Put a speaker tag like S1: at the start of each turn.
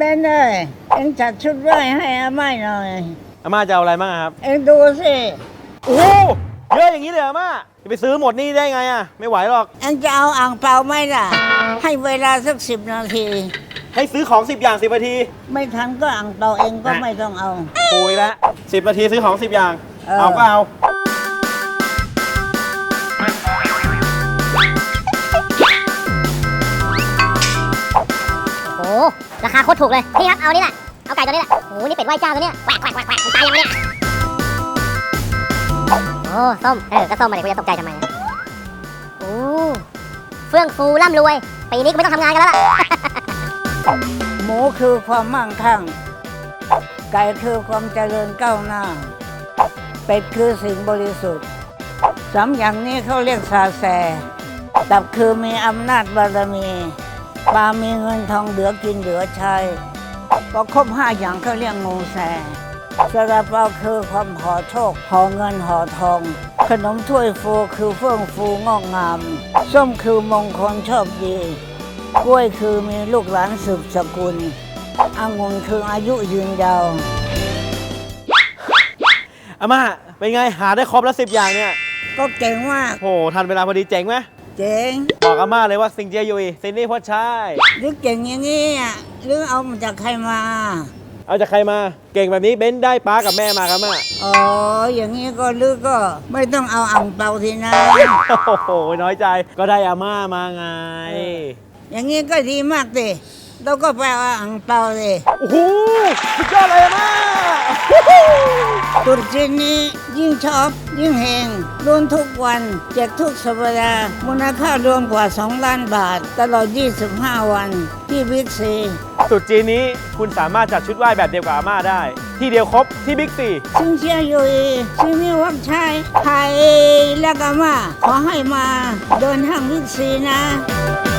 S1: บนเลยเอ็งจัดชุดไหว้ให้อาม่าหน่อย
S2: อาม่าจะเอาอะไรบ้างครับ
S1: เอ็งดูสิ
S2: โอ้เยอะอย่างนี้เลยอาม่าจะไปซื้อหมดนี่ได้ไงอ่ะไม่ไหวหรอก
S1: เอ็งจะเอาอ่างเปาไหมล่ะให้เวลาสัก10 นาที
S2: ให้ซื้อของ10 อย่าง10 นาที
S1: ไม่ทันก็อ่างเปาเองก็ไม่ต้องเอา
S2: คุยแล้ว10 นาทีซื้อของ10 อย่างเอาก็เอา
S3: โอ้ราคาโคตรถูกเลยนี่ครับเอานี่แหละเอาไก่ตัวนี้แหละโอ้นี่เป็ดไหว้เจ้าตัวเนี้ยแหวกมันตายยังไงเนี่ยโอ้ส้มก็ส้มมาดิกูจะตกใจทำไมโอ้เฟื่องฟูร่ำรวยปีนี้กูไม่ต้องทำงานกันแล้วล่ะ
S1: หมูคือความมั่งคั่งไก่คือความเจริญก้าวหน้าเป็ดคือสิ่งบริสุทธิ์3 อย่างนี้เขาเรียกซาแซตับคือมีอำนาจบารมีปลามีเงินทองเหลือกินเหลือใช้พอครบ5 อย่างเขาเรียกงูแซซาลาเปาคือความห่อโชคห่อเงินห่อทองขนมถ้วยฟูคือเฟื่องฟูงอกงามส้มคือมงคลโชคดีกล้วยคือมีลูกหลานสืบสกุลองุ่นคืออายุยืนยาว
S2: อาม่าเป็นไงหาได้ครบแล้ว10 อย่างเนี่ย
S1: ก็เก่งมาก
S2: โหทันเวลาพอดีเจ๋งไหม
S1: เจ๋ง
S2: บอกอาม่าเลยว่าสิงเจียยุยซินนี่พ่อชาย
S1: หรือเก่งอย่างนี้หรือเอามาจากใครมา
S2: เอาจากใครมาเก่งแบบนี้เบ้นได้ป้ากับแม่มาครับอาม่า
S1: อ๋ออย่างนี้ก็หรือก็ไม่ต้องเอาอ่างเปาทีนะ
S2: โอ้โหน้อยใจก็ได้อาม่ามาไง
S1: อย่างนี้ก็ดีมากสิเราก็ไปเอาอ่างเปาเลย
S2: โอ้โหสุดยอดเลยอาม่า
S1: ตรุษจีนนี้ยิ่งชอบยิ่งเฮงรุ่นทุกวันแจกทุกสัปดาห์มูลค่ารวมกว่า2 ล้านบาทตลอด25 วันที่บิ๊กซี
S2: ตรุษจีนนี้คุณสามารถจัดชุดไหว้แบบเดียวกับอาม่าได้ ที่เดียวครบที่บิ๊กซี
S1: ซิงเชียอยู่ซิงมีวักชัยไทยและก็มาขอให้มาเดินห้างบิ๊กซีนะ